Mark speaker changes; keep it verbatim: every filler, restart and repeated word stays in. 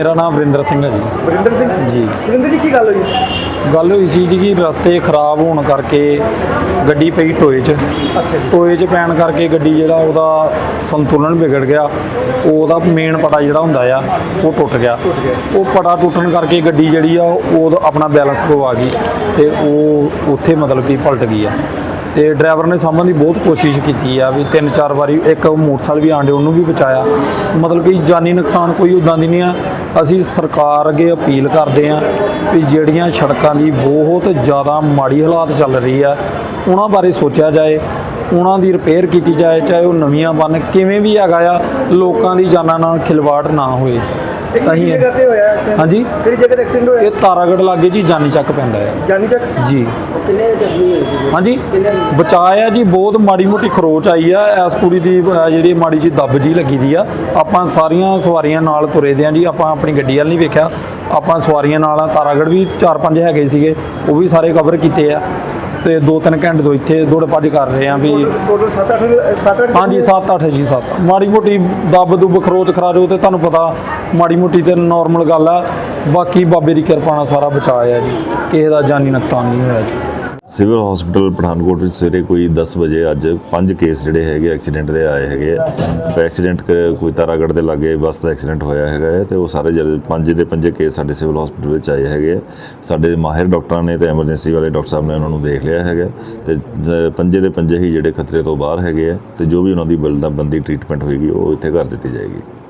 Speaker 1: मेरा नाम वरिंदर सिंह है जी।
Speaker 2: वरिंदर सिंह
Speaker 1: जी
Speaker 2: वरिंदर जी की गल हुई?
Speaker 1: गल हुई सी जी कि रस्ते खराब होने करके गड्डी पई टोए च।
Speaker 2: अच्छा जी।
Speaker 1: टोए च पैन करके गड्डी जिहड़ा ओहदा संतुलन बिगड़ गया। ओहदा मेन पटा जिहड़ा हुंदा आ वो टुट गया। वो पटा टुटन करके गड्डी जिहड़ी आ ओह अपना बैलेंस गवा गई ते ओह उत्थे मतलब कि पलट गई आ। तो ड्राइवर ने सामने की बहुत कोशिश की भी तीन चार बारी एक मोटरसाइकिल भी आंडे उन्होंने भी बचाया, मतलब कि जानी नुकसान कोई उदा दी नहीं है। असी सरकार अगे अपील करते हैं भी ਜਿਹੜੀਆਂ सड़कों की बहुत ज़्यादा माड़ी हालात चल रही है उन्होंने बारे सोचा जाए, उन्होंने रिपेयर की जाए, चाहे वो नवीं बन किमें भी हैगा आ, लोगों की जाना नाल खिलवाड़ ना होए। हाँ जी, ये तारागढ़ लागे जी जानी चक पैंदा है।
Speaker 2: जानी चक
Speaker 1: जी हाँ जी, बचाया जी बहुत माड़ी मोटी खरोच आई है। इस कुड़ी की जी माड़ी जी दब जी लगी दी आ। आपां सारियां सवारियां नाल तुरे दे जी, आपां अपनी गड्डी वाल नहीं वेख्या, आपां सवारियां नाल तारागढ़ भी चार पंज हैगे सीगे वो भी सारे कवर किए आ। तो दो तीन घंटे तो इत्थे दौड़ भज कर रहे हैं भी
Speaker 2: टोटल सत्त अठ सत्त अठ
Speaker 1: हाँ जी सत्त अठ जी सत्त माड़ी मोटी दब दुब खरोच खराजो तो तुहानूं पता माड़ी मोटी तो नॉर्मल गल है। बाकी बाबे की कृपा नाल सारा बचाया जी, किसी का जानी नुकसान नहीं होया जी।
Speaker 3: सिविल हॉस्पिटल पठानकोट ਵਿੱਚ ਸਵੇਰੇ ਕੋਈ दस ਵਜੇ ਅੱਜ ਪੰਜ ਕੇਸ ਜਿਹੜੇ ਹੈਗੇ ਐਕਸੀਡੈਂਟ ਦੇ ਆਏ ਹੈਗੇ ਆ। ਐਕਸੀਡੈਂਟ ਕੋਈ ਤਾਰਾਗੜ੍ਹ ਦੇ ਲਾਗੇ ਬੱਸ ਦਾ ਐਕਸੀਡੈਂਟ ਹੋਇਆ ਹੈਗਾ ਹੈ ਤੇ ਉਹ ਸਾਰੇ ਜਿਹੜੇ ਪੰਜ ਦੇ ਪੰਜੇ ਕੇਸ ਸਾਡੇ ਸਿਵਲ ਹਸਪੀਟਲ ਵਿੱਚ ਆਏ ਹੈਗੇ ਆ। ਸਾਡੇ ਮਾਹਿਰ ਡਾਕਟਰਾਂ ਨੇ ਤੇ ਐਮਰਜੈਂਸੀ ਵਾਲੇ ਡਾਕਟਰ ਸਾਹਿਬ ਨੇ ਉਹਨਾਂ ਨੂੰ ਦੇਖ ਲਿਆ ਹੈਗਾ ਤੇ ਪੰਜੇ ਦੇ ਪੰਜੇ ਹੀ ਜਿਹੜੇ ਖਤਰੇ ਤੋਂ ਬਾਹਰ ਹੈਗੇ ਆ ਤੇ ਜੋ ਵੀ ਉਹਨਾਂ ਦੀ ਬਲਦਾ ਬੰਦੀ ਟ੍ਰੀਟਮੈਂਟ ਹੋਏਗੀ ਉਹ ਇੱਥੇ ਕਰ ਦਿੱਤੀ ਜਾਏਗੀ।